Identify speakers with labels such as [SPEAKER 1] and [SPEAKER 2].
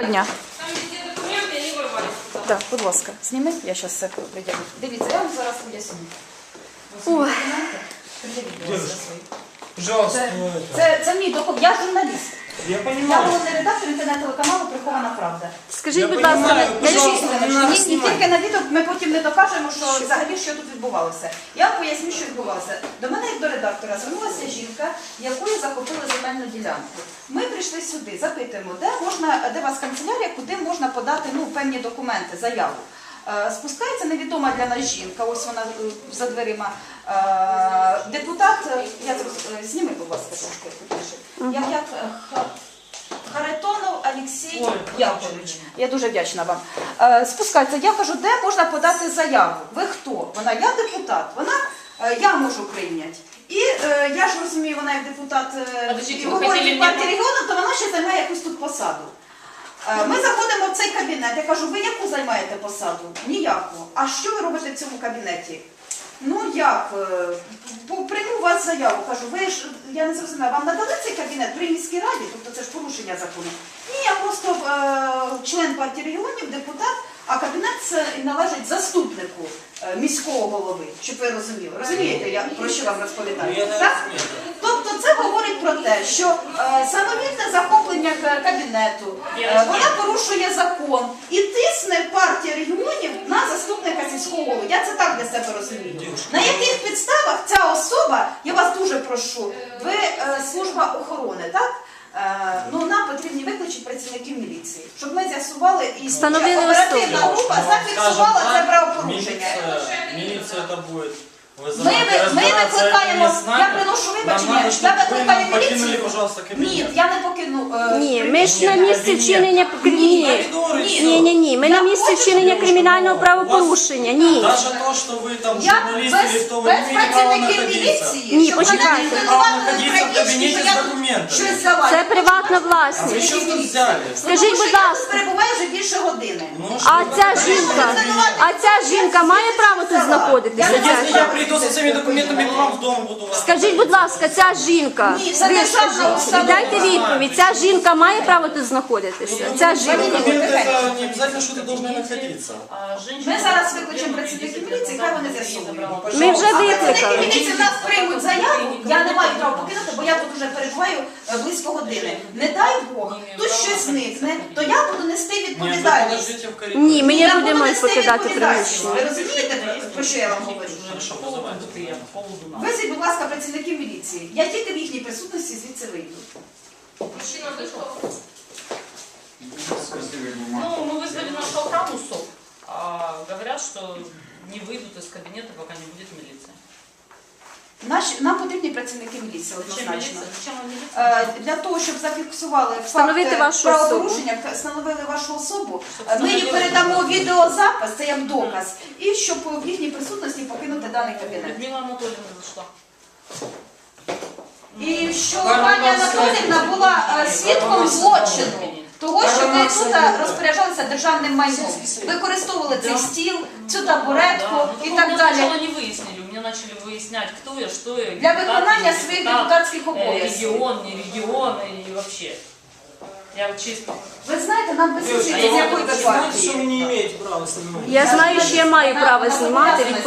[SPEAKER 1] Дня.
[SPEAKER 2] Там везде документы, они ворвались.
[SPEAKER 1] Так, будь ласка, зніми, я зараз все приділю. Дивіться, я вам зараз поясню.
[SPEAKER 3] Ой.
[SPEAKER 4] Пожалуйста.
[SPEAKER 1] Це мій документ, я журналіст.
[SPEAKER 4] Я
[SPEAKER 1] Я
[SPEAKER 4] понимаю.
[SPEAKER 1] головний редактор інтернет-телеканалу «Прихована правда».
[SPEAKER 3] Скажіть,
[SPEAKER 4] Я
[SPEAKER 3] будь
[SPEAKER 4] понимаю,
[SPEAKER 3] ласка,
[SPEAKER 4] пожалуйста, не надо
[SPEAKER 1] Ні,
[SPEAKER 4] снимать.
[SPEAKER 1] тільки на відео ми потім не докажемо, що взагалі що тут відбувалося. Я вам поясню, що відбувалося. До мене, як до редактора, звернулася жінка, якою захопили земельну ділянку. Ми прийшли сюди, запитуємо, де у вас канцелярія, куди можна подати певні документи, заяву. Спускається невідома для нас жінка, ось вона за дверима. Депутат, зніми, будь ласка, трошки. Харитонов Олексій Яковлевич. Я дуже вдячна вам. Спускається, я кажу, де можна подати заяву? Ви хто? Вона, я депутат. Вона, я можу прийняти. І я ж розумію, вона як депутат і говорить партії регіону, то вона ще займає якусь тут посаду. Ми заходимо в цей кабінет, я кажу, ви яку займаєте посаду? Ніяку. А що ви робите в цьому кабінеті? Ну як? Прийму у вас заяву, кажу, ви ж, я не зрозуміла, вам надали цей кабінет при міській раді, тобто це ж порушення закону? Ні, я просто член партії регіонів, депутат, а кабінет належить заступнику міського голови, щоб ви розуміли. Розумієте, я про що вам розповідаю? Так? Тобто це говорить про те, що самовільне захоплення кабінету, вона порушує закон і тисне партія регіонів на заступника сільського голови. Я це так для себе розумію. На яких підставах ця особа, я вас дуже прошу, ви служба охорони, так? Нам потрібні викличі працівників міліції, щоб ми з'ясували і оперативна група зафіксувала це правопорушення.
[SPEAKER 4] Милиция это будет.
[SPEAKER 1] Ми викликаємо, я приношу вибачення, я викликаю міліцію.
[SPEAKER 4] Пожалуйста, кабинет.
[SPEAKER 1] Ні, я не покину.
[SPEAKER 3] ні, ми ж на місці вчинення Ні, ми на місці вчинення кримінального правопорушення. Ні.
[SPEAKER 4] Даже то, что вы там
[SPEAKER 1] Я
[SPEAKER 4] журналист или
[SPEAKER 1] без
[SPEAKER 4] кто, вы не имеете права
[SPEAKER 1] працівників
[SPEAKER 4] находиться.
[SPEAKER 1] міліції,
[SPEAKER 3] Ні,
[SPEAKER 1] щоб мене
[SPEAKER 3] почекайте.
[SPEAKER 1] не
[SPEAKER 4] Право
[SPEAKER 1] звинуватили
[SPEAKER 4] находиться в
[SPEAKER 1] трагічно,
[SPEAKER 4] кабінеті
[SPEAKER 1] що
[SPEAKER 4] з
[SPEAKER 1] я
[SPEAKER 4] документами.
[SPEAKER 1] щось взяла.
[SPEAKER 3] Це приватна
[SPEAKER 4] Вы
[SPEAKER 3] власність.
[SPEAKER 4] что тут взяли?
[SPEAKER 3] Скажіть, будь
[SPEAKER 1] Я тут
[SPEAKER 3] ласка,
[SPEAKER 1] перебуваю вже більше години.
[SPEAKER 4] Ну,
[SPEAKER 3] а ця жінка має право тут знаходитися?
[SPEAKER 4] Если я приду со всеми документами к вам в дом, буду вас...
[SPEAKER 3] Скажіть, будь ласка, ця жінка,
[SPEAKER 1] Ні, це державна установа.
[SPEAKER 3] дайте відповідь, ця жінка має право тут знаходитися? Ця жінка.
[SPEAKER 4] Документы это не обязательно, что ты должна находиться.
[SPEAKER 1] Ми зараз викличемо працівників міліції, хай вони з'ясують.
[SPEAKER 3] Ми вже
[SPEAKER 1] Працівники
[SPEAKER 3] викликали.
[SPEAKER 1] міліції в нас приймуть заяву, я не маю права покинути, бо я тут вже перебуваю близько години. Не дай Бог, тут щось зникне, то я буду нести
[SPEAKER 4] Нет, вы
[SPEAKER 1] відповідальність.
[SPEAKER 4] подождите в коридоре.
[SPEAKER 3] Ні, ми
[SPEAKER 1] Я
[SPEAKER 3] не
[SPEAKER 1] буду
[SPEAKER 3] будемо
[SPEAKER 1] нести
[SPEAKER 3] покидати
[SPEAKER 1] відповідальність.
[SPEAKER 3] приміщення.
[SPEAKER 1] Ви розумієте, про що я вам говорю?
[SPEAKER 4] Хорошо, вызывайте.
[SPEAKER 1] Визвіть, будь ласка, працівників міліції. Я тільки в їхній присутності звідси вийду.
[SPEAKER 2] Мужчина вышел. Ну, мы вызвали нашу охрану СОП. Говорят, что не выйдут из кабинета, пока не будет милиция.
[SPEAKER 1] Нам потрібні працівники міліції,
[SPEAKER 2] Зачем
[SPEAKER 1] однозначно.
[SPEAKER 2] милиция? Зачем вам милиция?
[SPEAKER 1] Для того, щоб зафіксували
[SPEAKER 3] Встановити
[SPEAKER 1] факт
[SPEAKER 3] вашу
[SPEAKER 1] правопорушення, встановили вашу особу, ми їй передамо відеозапис, це як доказ, і щоб в їхній присутності покинути даний кабінет.
[SPEAKER 2] Людмила Анатольевна зашла.
[SPEAKER 1] І що пані Анатоліївна була свідком злочину, того, що ви тут розпоряджалися державним майном, використовували цей стіл, цю табуретку і так
[SPEAKER 2] Меня
[SPEAKER 1] далі.
[SPEAKER 2] сначала не выяснили, у меня начали выяснять, кто я, что я.
[SPEAKER 1] Для виконання
[SPEAKER 2] депутат,
[SPEAKER 1] своїх
[SPEAKER 2] не депутат,
[SPEAKER 1] депутатських обов'язків.
[SPEAKER 2] Регион, не регион и вообще. Я вот честно.
[SPEAKER 1] Ви знаєте, нам без
[SPEAKER 2] Девушка,
[SPEAKER 1] з якої ви
[SPEAKER 4] Знаете, что вы
[SPEAKER 1] партії.
[SPEAKER 4] не имеете права снимать?
[SPEAKER 3] Я знаю, що я маю право знімати.